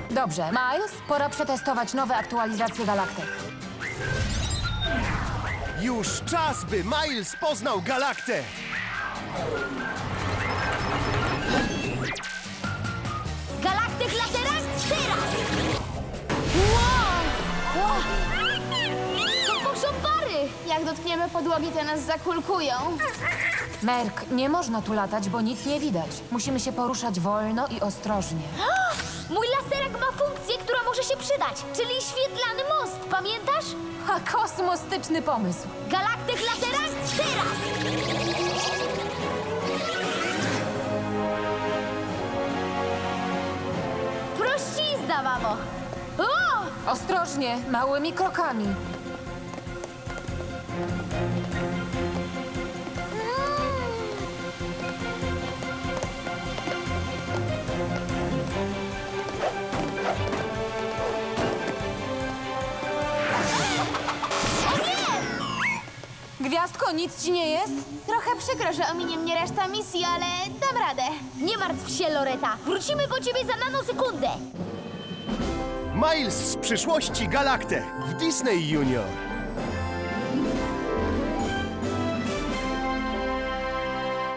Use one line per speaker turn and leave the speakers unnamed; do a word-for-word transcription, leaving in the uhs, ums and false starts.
Dobrze, Miles, pora przetestować nowe aktualizacje galaktyk.
Już czas, by Miles poznał Galaktę!
Galaktyk lasera teraz! Wow! Wow! To poszopary! Jak dotkniemy podłogi, to nas zakulkują.
Merk, nie można tu latać, bo nic nie widać. Musimy się poruszać wolno i ostrożnie.
Mój laserek ma funkcję, która może się przydać, czyli świetlany most, pamiętasz?
Ha, kosmostyczny pomysł.
Galaktyk lasera teraz! Prościzna, mamo! O!
Ostrożnie, małymi krokami. Gwiazdko, nic ci nie jest?
Trochę przykro, że ominie mnie reszta misji, ale dam radę. Nie martw się, Loreta. Wrócimy po ciebie za nanosekundę.
Miles z przyszłości Galaktę w Disney Junior.